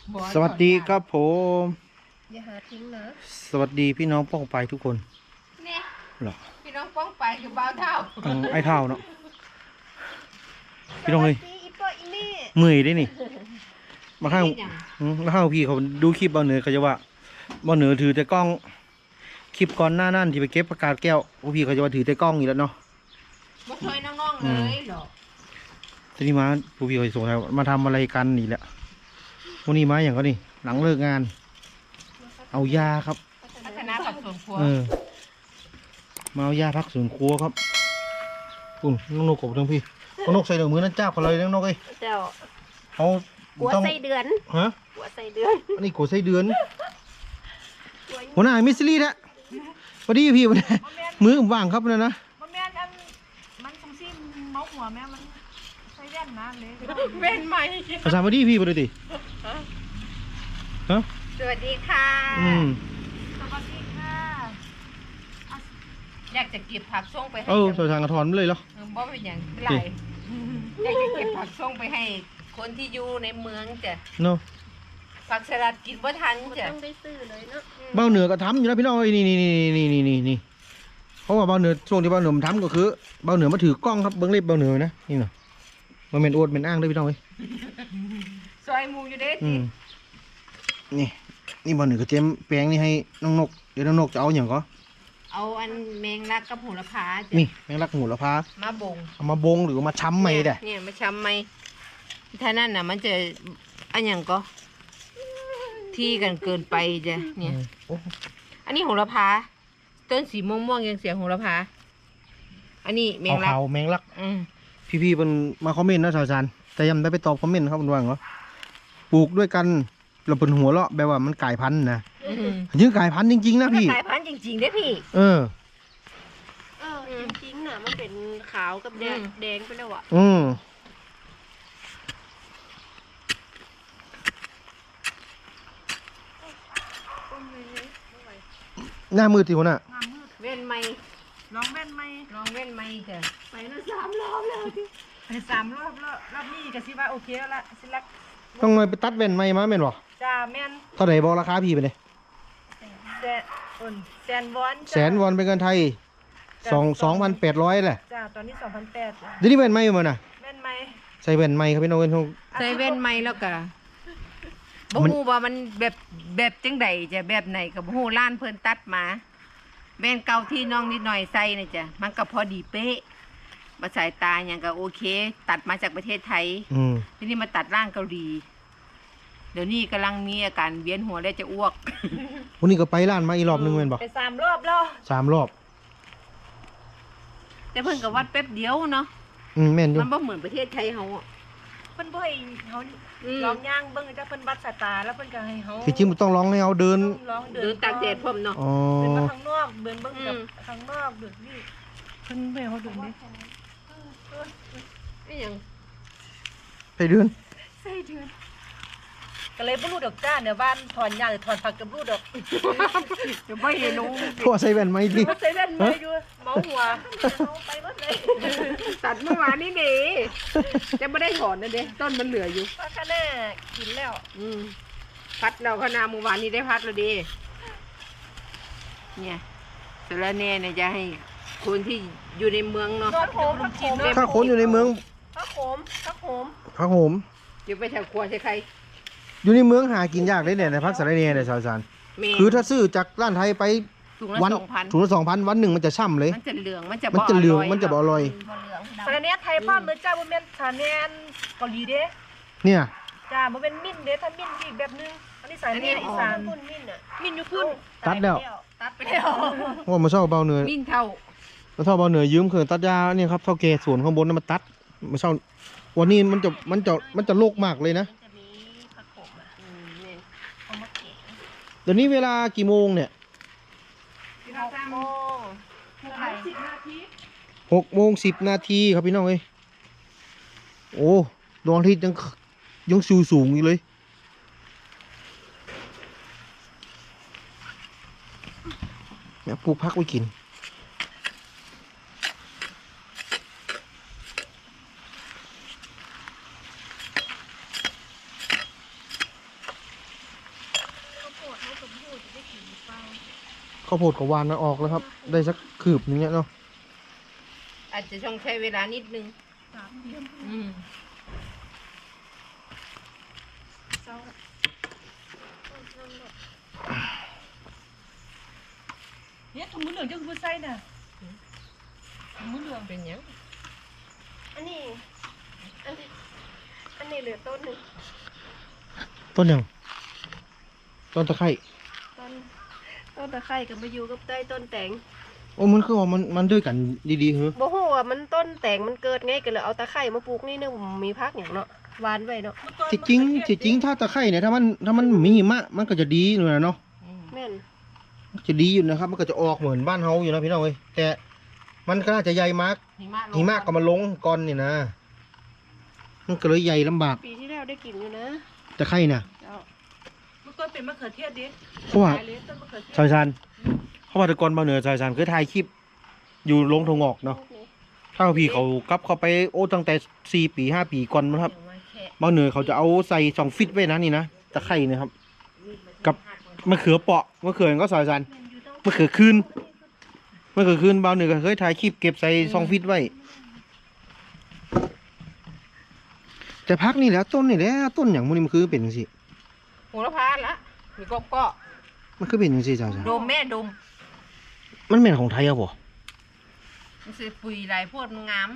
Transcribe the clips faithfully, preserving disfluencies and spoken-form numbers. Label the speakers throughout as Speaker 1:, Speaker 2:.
Speaker 1: สวัสดีครับผม
Speaker 2: อย่าหาทิ้งนะ
Speaker 1: สวัสดีพี่น้องป้องไปทุกคน
Speaker 2: เนี่ย
Speaker 1: หรอ
Speaker 2: พี่น้องป้องไปคือบ่าวเท่า
Speaker 1: อืมไอ้เท่าเนาะพี่น้องเฮ้ย
Speaker 2: อีปออีนี่
Speaker 1: เมื่อยได้นี่มาข้างอืมมาข้างพี่เขาดูคลิปเบาเหนือเขาจะว่าเบาเหนือถือแต่กล้องคลิปก่อนหน้านั่นที่ไปเก็บประกาศแก้วพวกพี่เขาจะว่าถือแต่กล้องอยู่แล้วเนาะ
Speaker 2: มาช่วยน้องๆเลยหรอ
Speaker 1: ทีนี้มาพวกพี่เขาส่งมาทำอะไรกันนี่แหละวันนี้มาอย่างก็นี่หลังเลิกงานเอายาครับ
Speaker 2: พัฒนาผักสวนครัว
Speaker 1: เออมาเอายาพักสวนครัวครับปุ่นน้องนกกบทั้งพี่น้องนกใส่เดือมือนั่นเจ้ากันเลยน้องนกเอ้ย
Speaker 2: เจ้า
Speaker 1: เอา
Speaker 2: กัวใส่เดือน
Speaker 1: ฮะ
Speaker 2: กัวใส่เดือน
Speaker 1: อันนี้กัวใส่เดือนหัวหน้ามิสซิลี่นะพอดีพี่วันนี้มือว่างครับนะนะ
Speaker 3: มันแม่นอันมันสงซี่เมาหัวแม่มันใส่แว่นนะเลย
Speaker 2: แว่นใหม่
Speaker 1: ภาษาพอดีพี่พอดีฮะ
Speaker 2: สวัสดีค่ะ
Speaker 1: อืม
Speaker 3: สวัสดีค่ะ
Speaker 2: อยากจะเก็บผักส่งไปให้
Speaker 1: เออใส่ทางกระถอนไปเลยเหรอ
Speaker 2: บ่เป็นอย่างไรอยากจะเก็บผักส่งไปให้คนที่อยู่ในเมืองจ้ะ
Speaker 1: เนาะ
Speaker 2: ผักสลัดกินบ่ทันจ้ะ
Speaker 3: ต้องได้ซื้อเลยเนาะ
Speaker 1: เบ้าเหนือก็ทำอยู่นะพี่น้องเอ้ยนี่นี่นี่นี่นี่นี่นี่เพราะว่าเบ้าเหนือช่วงที่เบ้าเหนือมันทำก็คือเบ้าเหนือมาถือกล้องครับเบิ้งเล็บเบ้าเหนือนะนี่เนาะมันเป็นอวดเป็นอ้างด้วยพี่น้องเอ้ย
Speaker 2: ซอยหมูอยู่เด้
Speaker 1: อืมนี่นี่เบ้าเหนือก็เจมแปลงนี่ให้น้องนกเดี๋ยวน้องนกจะเอาอย่างก็
Speaker 2: เอาอันแมงลักกับโหระพาจ้ะ
Speaker 1: นี่แมงลักหูละพา
Speaker 2: มาบง
Speaker 1: เอามาบงหรือมาช้ำไหมเด้
Speaker 2: เนี่ยมาช้ำไหมถ้านั่นน่ะมันจะอันอย่างก็ที่กันเกินไปจ้ะเนี่ยอันนี้โหระพาต้นสีม่วงม่วงยังเสียโหระพาอันนี้แมงลัก
Speaker 1: เอาแมงลัก
Speaker 2: อืม
Speaker 1: พี่ๆเป็นมาคอมเมนต์นะสาวชันแต่ยังได้ไปตอบคอมเมนต์ครับคุณว่างเหรอปลูกด้วยกันเราเป็นหัวเราะแบบว่ามันกลายพันธุ์นะยิ่งกลายพันธุ์จริงๆนะพี่
Speaker 2: กลายพันธุ์จริงๆได้พี่
Speaker 1: เออ
Speaker 3: เออจริงๆน่ะมันเป็นขาวกับแดงแดงไปแล้วอ่ะ
Speaker 1: อืมหน้ามือติวน่ะ
Speaker 2: เว้นไหม
Speaker 3: ลองแว่นไหม
Speaker 2: ลองเว้นไหมจ้ะ
Speaker 3: ไปแล้วสามรอบแล้วไปสามรอบแล้วรอบนี้ก็สิว่าโอเคแล้วละสิลัก
Speaker 1: ต้องเลยไปตัดแว่นไหมมาแม่นบ่
Speaker 3: จ้าแม่น
Speaker 1: เท่าไหร่บอกราคาพี่ไปเลย
Speaker 3: แสนอุ่นแสนวอน
Speaker 1: แสนวอนเป็นเงินไทยสองสองพันแปดร้อยแหละ
Speaker 3: จ้าตอนนี้สองพันแปด
Speaker 1: เดี๋ยวนี้แว่นไหมมาน่ะ
Speaker 3: แว่นไหม
Speaker 1: ใส่แว่นไหมครับพี่น้องเว้นทง
Speaker 2: ใส่เว้นไหมแล้วก็บ่ฮู้ว่ามันแบบแบบจังใดจะแบบไหนก็บ่ฮู้ร้านเพิ่นตัดมาแว่นเก่าที่น้องนิดหน่อยใส่นี่จ้ะมันก็พอดีเป๊ะมาสายตาอย่างก็โอเคตัดมาจากประเทศไทยทีนี้มาตัดร่างเกาหลีเดี๋ยวนี้กำลังมีอาการเวียนหัวและจะอ้วก
Speaker 1: วันนี้ก็ไปร้านมาอีกรอบนึงแม่นบ่
Speaker 3: ไปสามรอบแล้ว
Speaker 1: สามรอบ
Speaker 2: แต่เพิ่นก็วัดแป๊บเดียวเนาะ
Speaker 1: อืมแม่นอยู่
Speaker 2: มันบ่เหมือนประเทศไทยเฮาอ่ะ
Speaker 3: เพิ่นบ่ให้เฮาลองย่างเบิ่งจ้ะเพิ่นวัดสายตาแล้วเพิ่นก็ให้เฮา
Speaker 1: ที่จริงมันต้องร้องให้เอาเดิน
Speaker 2: เดินตากแดดพร้อมเนาะ
Speaker 1: อ๋อ
Speaker 3: เดินมาข้างนอกเดินเบิ่งกับข้างนอกเดินนี่เพิ่นบ่ให้เฮาเดินนี่
Speaker 2: นี่หยัง
Speaker 1: ไปเดิน
Speaker 3: ใส่เดือนก็เลยบ่รู้ดอกจ้าเนี่ยบ้านถอนหญ้าหรือถอนผักก็บ่รู้ดอก
Speaker 2: เดี๋ยวบ่เห็นหนู
Speaker 1: พอใส่แว่นไหมดิ
Speaker 3: ใส่แว่นมาอยู่เมาหัวเอาไปหมดเลย
Speaker 2: ตัดเมื่อวานนี้ดิจะบ่ได้ถอนนะเด้ต้นมันเหลืออยู่
Speaker 3: ว่าคะแน่กินแล้ว
Speaker 2: อืมพัดเราคณะเมื่อวานนี้ได้พัดแล้วดิเนี่ยสารแน่เนี่ยจะให้คนที่อยู่ในเมืองเนาะ
Speaker 1: ถ้าคนอยู่ในเมือง
Speaker 3: ผักโขมผักโขม
Speaker 1: ผักโขม
Speaker 2: อยู่ไปแถวครัวใช่ใคร
Speaker 1: อยู่ในเมืองหากินยากเลยเนี่ยในพักสารเนียเนี่ยสาวสารคือถ้าซื้อจากร้านไทยไปวันถุงละสองพันวันหนึ่งมันจะช่ำเลย
Speaker 2: มันจะเหลืองมันจะ
Speaker 1: มันจะเหลืองมันจะอร่อย
Speaker 3: สารเนียไทยพ่อมือจ้าบ่แม่นสารเนียเกาหลีเด้
Speaker 1: เนี่ย
Speaker 3: จ้าบ่เป็นมิ้นเด้ถ้ามิ้นอีกแบบนึงอันนี้สารเนียอีสานพุ่นมิ้นอ่ะมิ้นอยู่พุ่น
Speaker 1: ตัดแล้ว
Speaker 3: ตัดไปแล้ว
Speaker 1: ว่ามาเช่าเบาเหนือ
Speaker 2: มิ้นเท่า
Speaker 1: มาเช่าเบาเหนือยืมเครื่องตัดยาเนี่ยครับเท่าแก่สวนข้างบนนั้นมาตัดมาเช่าวันนี้มันจะมันจะมันจะโลกมากเลยนะเดี๋ยวนี้เวลากี่โมงเนี่ยหกโมงสิบนาทีครับพี่น้องเอ้ยโอ้ดวงอาทิตย์ยังยังสูงสูงอยู่เลยแม่ปลูกพักไว้กินข้าวโพดกับหวานนะออกแล้วครับ ได้สักคืบนึงเนี้ยเนาะ
Speaker 2: อาจจะต้องใช้เวลานิดนึง
Speaker 3: สามเดือน
Speaker 2: อืม
Speaker 3: เศร้าเนี่ยถุงมือเหลืองเจ้าคือใส่น่ะถุงมือเหลือง
Speaker 2: เป็นหยัง
Speaker 4: อันนี้ อันนี้ อันนี้เหลือต้นหนึ่ง
Speaker 1: ต้นหยังต้นตะไคร้
Speaker 4: ต้น ต้นตะไคร้กับมาอยู่กับใต้ต้นแตง
Speaker 1: โอ้มันคือว่ามันมันด้วยกันดีๆเหรอ
Speaker 4: บ่ฮู้ว่ามันต้นแตงมันเกิดไงก็เลยเอาตะไคร้มาปลูกนี่นึงมีพักอย่างเนาะหวานไว้เนาะ
Speaker 1: จริงๆจริงๆถ้าตะไคร้เนี่ยถ้ามันถ้ามันมีหิมะมันก็จะดีเลยนะเนาะ
Speaker 2: อืม
Speaker 4: แม่น
Speaker 1: จะดีอยู่นะครับ มันก็จะออกเหมือนบ้านเฮาอยู่นะพี่น้องเอ้ยแต่มันก็น่าจะใหญ่มาก
Speaker 2: หิมะลง
Speaker 1: หิมะก็มาลงก่อนนี่นะมันก็เลยใหญ่ลำบาก
Speaker 4: ปีที่แล้วได้กินอยู่นะ
Speaker 1: ตะไคร้น่ะ
Speaker 4: เจ้า
Speaker 3: มันก็เป็นมะเขือเทศดิ
Speaker 1: เพราะว่า
Speaker 3: ขายเลยต้นมะเขือเทศ
Speaker 1: ซอยซันเขาว่าแตะกอนบางเหนือซอยซันเคยถ่ายคลิป อยู่ลงทงออกเนาะ
Speaker 4: ลูกนี้
Speaker 1: ถ้าพี่เขากลับเข้าไปโอ้ตั้งแต่สี่ปีห้าปีก่อนมั้งครับ
Speaker 2: เดี๋ยวมาแค่
Speaker 1: บางเหนือเขาจะเอาใส่สองฟิตไว้นะนี่นะตะไคร่นะครับ กับมะเขือเปาะมะเขือก็ซอยซันมะเขือคืนมะเขือคืนบางเหนือก็เคยถ่ายคลิปเก็บใส่สองฟิตไว้ แต่พักนี่แหละต้นนี่แหละต้นอย่างมันนี่มันคือเป็นจังซี่
Speaker 2: โหระพาละมีก็ก็
Speaker 1: มันคือเป็นจังซี่จ้าจ้า
Speaker 2: ดมแม่ดม
Speaker 1: มันเป็นของไทยเอาบ่
Speaker 2: มันสิปุ๋ยหลายโพดมันงาม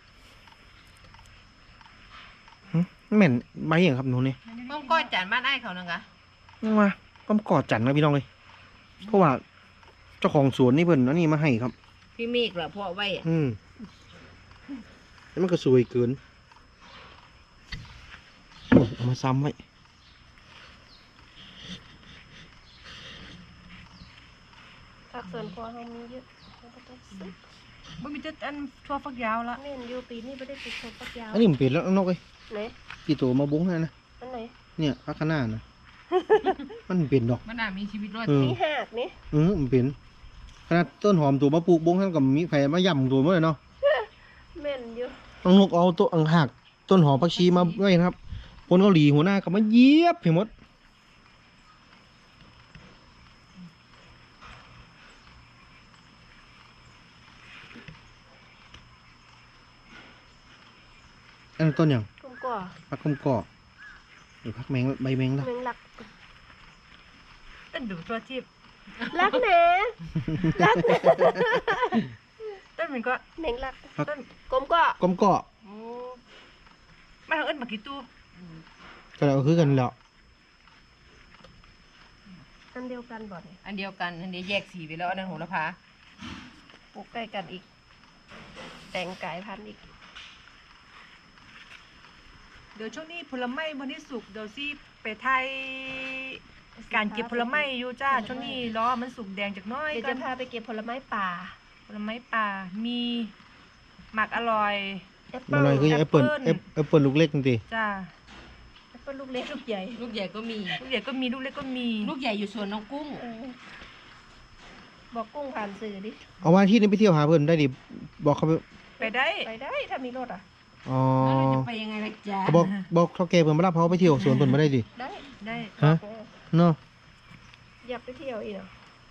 Speaker 1: หึมันแม่นใบอย่างครับหนูนี่
Speaker 2: ต้องก้อยจานบ้านไอ้ายเขานึงอะ
Speaker 1: มาต้มกอดจันนะพี่น้องเลยเพราะว่าเจ้าของสวนนี่เพิ่นอันนี้มาให้ครับ
Speaker 2: พี่เมฆเหรอพ่อไว้อะ
Speaker 1: อืมแล้วมันก็สวยเกินโอ้ยเอามาซ้ำไว้
Speaker 4: ผักสวนครัวเฮามีเยอะเราก็ต้องซื้อ
Speaker 3: มันมีแต่อันทั่วฟักยาวละ
Speaker 4: แม่นอยู่ปีนี้บ่ได้ปลูกต้นฟักยาว
Speaker 1: อันนี้มันเป็นแล้วนกเอ้ย
Speaker 4: ไหน
Speaker 1: กี่ตัวมาบุ้งให้นะ
Speaker 4: อันไหน
Speaker 1: เนี่ยพักข้างหน้านะ มันเป็นดอก
Speaker 2: มันน่ามีชีวิตรอด
Speaker 1: เออ
Speaker 4: มีหากนี่
Speaker 1: เออมันเป็นขนาดต้นหอมตัวมาปลูกบุ้งท่านกับมีไผ่มาย่ำตัวมาเลยเนาะ
Speaker 4: แม่นอยู่
Speaker 1: น้องนกเอาตัวอังหักต้นหอมผักชีมาไว้นะครับคนเกาหลีหัวหน้าก็มาเยียบให้หมดอันนั้นต้นอย่าง
Speaker 4: กุ้งก่อ
Speaker 1: ผักคำกอกหรือผักแมงใบแมงละ
Speaker 4: แมงลัก
Speaker 3: ต้นดูตัวที่
Speaker 4: ลักแหน่ลักแหน่
Speaker 3: ต้นมันก็
Speaker 4: แมงลัก
Speaker 3: ต้น
Speaker 4: กลมก่อก
Speaker 1: ลมเกาะ
Speaker 3: โอ้มาทางเอิ้นมากี่ตู้
Speaker 1: ก็แล้วคือกันแล้ว
Speaker 4: อันเดียวกันบ่เนี่ย
Speaker 2: อันเดียวกันอันเดียวแยกสีไปแล้วอันนั้นโหระพา
Speaker 4: ปลูกใกล้กันอีก แต่งกายพันธุ์อีก
Speaker 3: เดี๋ยวช่วงนี้ผลไม้วันนี้สุกเดี๋ยวสิไปไทยการเก็บผลไม้อยู่จ้าช่วงนี้ล้อมันสุกแดงจากหน้อย
Speaker 4: เดี๋ยว
Speaker 3: กั
Speaker 4: จะ
Speaker 3: น
Speaker 4: พาไปเก็บผลไม้ป่า
Speaker 3: ผลไม้ป่ามีหมักอร่อย
Speaker 4: แอป
Speaker 1: มั
Speaker 4: เปิ้
Speaker 1: น
Speaker 4: ล
Speaker 1: อะไรคือแอปเปิล
Speaker 3: แอปเปิ้ล
Speaker 1: แอปเปิลลูกเล็กจริง
Speaker 3: จ้า
Speaker 4: แอปเปิ้ลลูกเล็กลูกใหญ่
Speaker 2: ลูกใหญ่ก็มี
Speaker 3: ลูกใหญ่ก็มีลูกเล็กก็มี
Speaker 2: ลูกใหญ่อยู่สวนน้องกุ้ง
Speaker 4: เออบอกกุ้งผ่านสื่อดิ
Speaker 1: เอาวันอาที่นี้ไปเที่ยวหาเพื่อนได้ดิบอกเขาไป
Speaker 3: ไปได้
Speaker 4: ไปได้ถ้ามีรถอ่ะ
Speaker 1: อ๋อ
Speaker 2: แล้วเราจะไปยังไงล่ะจ๊ะ
Speaker 1: เขาบอกบอกเท่าแกเพื่อนมารับเขาไปเที่ยวสวนเพื่อนมาได้ดิ
Speaker 4: ได้
Speaker 3: ได้
Speaker 1: ฮะ
Speaker 4: เออ
Speaker 1: เนาะ
Speaker 4: อยากไปเที่ยวอีกเหรอ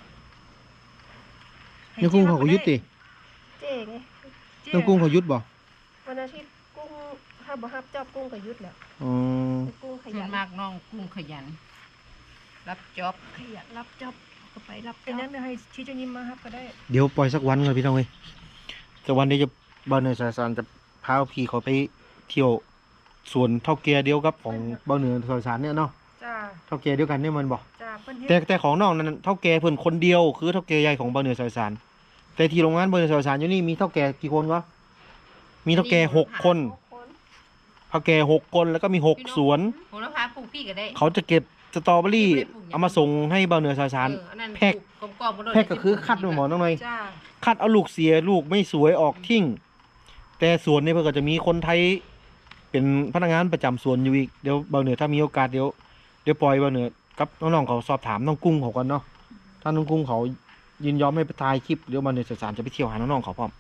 Speaker 1: ในกรุงเขาก็ยุดดิ
Speaker 4: เจ๊ไง
Speaker 1: ในกรุงเขายุดบ่
Speaker 4: วันอาทิตย์กุ้งถ้าบ่ฮับจอบกุ้งก็หยุดแล้ว
Speaker 1: อ๋อ
Speaker 4: กุ้งข
Speaker 2: ส่ว
Speaker 4: ยั
Speaker 2: น
Speaker 4: น
Speaker 2: มากน้องกุ้งขยัน รับจ็อบ
Speaker 4: ขยันรับจอบก็ไปรับจ
Speaker 3: เป็น
Speaker 4: อ
Speaker 3: นั้
Speaker 4: บ
Speaker 3: นเดี๋ยวให้ชี้เจ้ายิ้มมาครับก็ได้
Speaker 1: เดี๋ยวปล่อยสักวันก่อนพี่น้องเอ้ยสักวันเดี๋ยวจะบ้านเหนือสายสารจะพาพี่เขาไปเที่ยวสวนเท่าแกเดียวกับของบ้านเหนือสายสารเนี่ยเนาะ
Speaker 3: จ้า
Speaker 1: เท่าแกเดียวกันเนี่ยมันบอก
Speaker 3: จ้าเพิ่นเฮ็
Speaker 1: แต่
Speaker 3: ด
Speaker 1: แต่ของน้องนั้นเท่าแกเพิ่นคนเดียวคือเท่าแกใหญ่ของบ้านเหนือสายสารแต่ที่โรงงานบ้านเหนือสายสารอยู่นี่มีเท่าแกกี่คนวะมีเท่าแกหกคน
Speaker 4: คน
Speaker 1: เท่าแกหกคนแล้วก็มีหกสวน
Speaker 2: โหระพาปลูกพี่ก็ได้
Speaker 1: เขาจะเก็บสตรอเบอรี่เอามาส่งให้บ้านเหนือสายสาร
Speaker 2: เอออันนั้น
Speaker 1: แพ็ค
Speaker 2: ปลูกกลมๆมาด้วย
Speaker 1: แพ็กก็คือคัดมาหมอน้องหน่อย
Speaker 3: จ้า
Speaker 1: คัดเอาลูกเสียลูกไม่สวยออกทิ้ง แต่สวนนี่เพื่อก็จะมีคนไทย เป็นพนักงานประจำสวนอยู่อีกเดี๋ยวเบาเหนือถ้ามีโอกาสเดี๋ยวเดี๋ยวปล่อยเบาเหนือกับน้องๆเขาสอบถามน้องกุ้งเขาก่อนเนาะถ้าน้องกุ้งเขายินยอมให้ไปถ่ายคลิปเดี๋ยวเบาเหนือสายสารจะไปเที่ยวหาน้องๆเขาพร้อม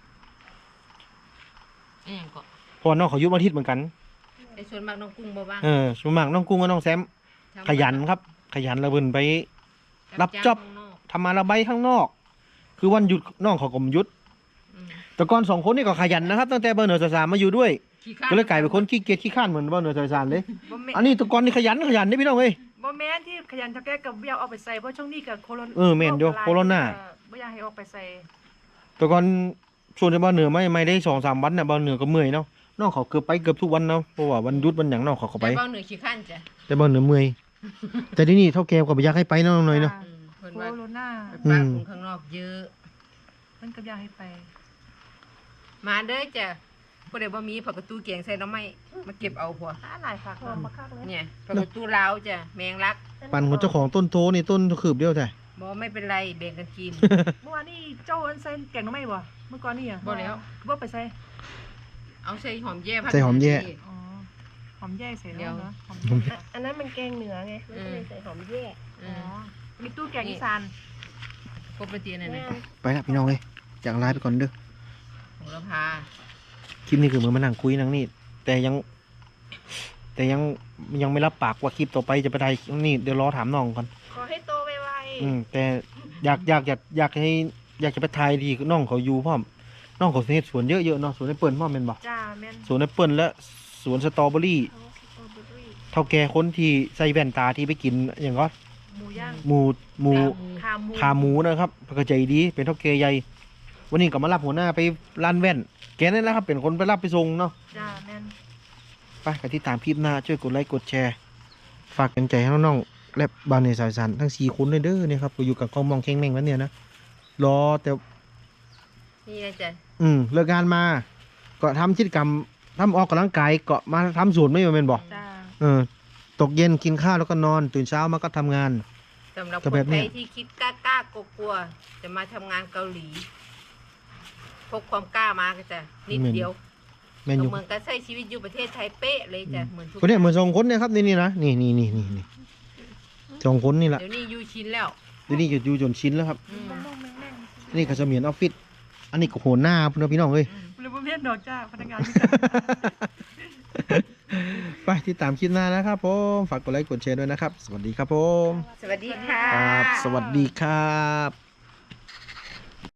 Speaker 2: อันนั้นก็
Speaker 1: เพราะว่าน้องเขาอยุบอาทิตย์เหมือนกัน
Speaker 2: ไอ้ส่วนมากน้องกุ้งบ่บ้าง
Speaker 1: เออส่วนมากน้องกุ้งกับน้องแซมขยันครับ ขยันระเบินไป รับจ็อบ
Speaker 2: ข้างนอก
Speaker 1: ทำมาระบายข้างนอก คือวันหยุดน้องเขาก็บ่หยุด
Speaker 2: อืม
Speaker 1: แต่ก่อนสองคนนี่ก็ขยันนะครับตั้งแต่เบอร์เหนือสายสามมาอยู่ด้วย
Speaker 2: ขี้ข้าน
Speaker 1: ก็เลยกลายเป็นคนขี้เกียจขี้ข้านเหมือนเบอร์เหนือสายสามเลย
Speaker 3: บ่แม่น
Speaker 1: อันนี้แตะกอนนี่ขยันขยันนี่พี่น้องเอ้ย
Speaker 3: บ่แม่นที่ขยันเท่าแก่กับบ่อยากเอาไปใส่เพราะช่วงนี้ก็โควิด
Speaker 1: เออแม่นอยู่โควิดน่ะ
Speaker 3: บ่อยากให้ออกไปใส่
Speaker 1: แต่ก่อนส่วนในเบอร์เหนือไม่ไม่ได้สองสามวันน่ะเบอร์เหนือก็เมื่อยเนาะน้องเขาเกือบไปเกือบทุกวันเนาะเพราะว่าวันหยุดวันหยังน้องเขาก็ไป
Speaker 2: แต่เบาเหนือขี้ข้านจ้ะ
Speaker 1: แต่เบอร์เหนือเมื่อยแต่ที่นี่เท่าแกก็บ่อยากให้ไปเนาะหน่อยเนาะ
Speaker 2: อืมเพิ่น
Speaker 3: โค
Speaker 2: ว่า
Speaker 3: วิดน่ะ
Speaker 2: ไปปะคนข้างนอกเยอะ
Speaker 3: มันก็อยากให้ไป
Speaker 2: มาเด้อจ้ะผู้ใดบ่มีผักกระตูแกงใส่หน้ำไม้มาเก็บเอาพวก
Speaker 3: หาหลายฝัก
Speaker 4: หอมมะคักเลย
Speaker 2: เนี่ยผักกระตูลาวจ้ะแมงลัก
Speaker 1: ปั่นของเจ้าของต้นโทนี่ต้นคืบเดียวแต่
Speaker 2: บ่ไม่เป็นไรแบ่งกันกิน
Speaker 3: เมื่อวานนี้เจ้าอันใส่แกงหน่อไม้บ่เมื่อก่อนนี่อ่ะ
Speaker 2: บ่แล้ว
Speaker 3: บ่ไปใส่
Speaker 2: เอาใส่หอมแย่ผัก
Speaker 1: ใส่หอมแย่
Speaker 3: อ๋อหอมแย่ใส่
Speaker 2: เดี๋
Speaker 3: แล้
Speaker 2: ยว ว
Speaker 3: เนาะหอม
Speaker 1: หอม
Speaker 3: แย่
Speaker 4: อันนั้นมันแกงเหนือไงมันก็เลยใส่หอมแย่
Speaker 2: อื
Speaker 3: อ๋อ
Speaker 2: ม
Speaker 3: มีตู้แกงอีสาน
Speaker 2: ครบเป็นตีนั่น
Speaker 4: แม่
Speaker 2: น่ะ
Speaker 1: ไปละพี่น้องเอ้ยจากไลน์ไปก่อนเด้อ
Speaker 2: โหระพา
Speaker 1: คลิปนี้คือเหมือนมานั่งคุยนั่งนี่แต่ยัง แต่ยังยังไม่รับปากว่าคลิปต่อไปจะไปถ่ายนี่เดี๋ยวรอถามน้องก่อน
Speaker 4: ขอให้โตไว
Speaker 1: อืมแต่อยากอยากอยากอยากให้อยากจะไปถ่ายดีน้องเขาอยู่พร้อมน้องเขาเฮ็ดสวนเยอะๆเนาะสวนแอปเปิลพร้อมแม่นบ่
Speaker 3: จ้าแม่น
Speaker 1: สวนแอปเปิลและสวนสตรอเบอรี่
Speaker 4: ๆเอาสตรอเบอรี่
Speaker 1: เท่าแก่คนที่ใส่แว่นตาที่ไปกินอย่างก็
Speaker 3: หมูย่าง
Speaker 1: หมูหมู
Speaker 3: ขาหมู
Speaker 1: ขาหมูนะครับเพิ่นก็ใจดีเป็นเท่าแก่ใหญ่วันนี้ก็มารับหัวหน้าไปร้านแว่นแกนั่นแหละครับเป็นคนไปรับไปส่งเนาะ
Speaker 3: จ้าแม่น
Speaker 1: ไปกันที่ตามคลิปหน้าช่วยกดไลค์กดแชร์ ฝากกันใจให้น้องๆและบาวเนสายสันทั้งสี่คนเลยเด้อเนี่ยครับก็อยู่กับกองมองเค้งแม่งวันเนี่ยนะรอแต่
Speaker 2: นี่นะจ้ะ
Speaker 1: อืมเลิกงานมา ก็ทำกิจกรรมทำออกกำลังกายก็มาทำสวนไม่เป็นบอก
Speaker 3: จ้า
Speaker 1: เออตกเย็นกินข้าวแล้วก็นอนตื่นเช้ามาก็ทำงาน
Speaker 2: สำหรับ
Speaker 1: ก็
Speaker 2: ค
Speaker 1: แบ
Speaker 2: น
Speaker 1: บเนี้
Speaker 2: ไท
Speaker 1: ย
Speaker 2: ยที่คิดกล้าๆกลัวๆจะมาทำงานเกาหลีพกความกล้ามาก็จะนิดเดียว
Speaker 1: แม่นอยู่
Speaker 2: เหมือนกับใช้ชีวิตอยู่ประเทศไทยเป๊ะเลยจ้ะเหมือนทุก
Speaker 1: คนเนี้ยเหมือนสองคนเนี่ยครับนี่นี่นะนี่นี่นี่นี่นี่สองคนนี่แหละ
Speaker 2: เดี๋ยวนี้อยู่ชินแล้ว
Speaker 1: เดี๋ยวนี้จะอยู่จนชินแล้วครับ
Speaker 2: อืม
Speaker 3: แม่งแม่งแม่ง
Speaker 1: นี่ก็เสมียนออฟฟิศอันนี้ก็โหหน้าพี่น้องพี่น้องเอ้ย
Speaker 3: หรือบ่แม่นดอกจ้าพนักงานที่
Speaker 1: ไปที่ตามคลิปหน้านะครับผมฝากกดไลค์กดแชร์ด้วยนะครับ สวัสดีครับผม
Speaker 2: สวัสดีค่ะ
Speaker 1: ครับสวัสดีครับ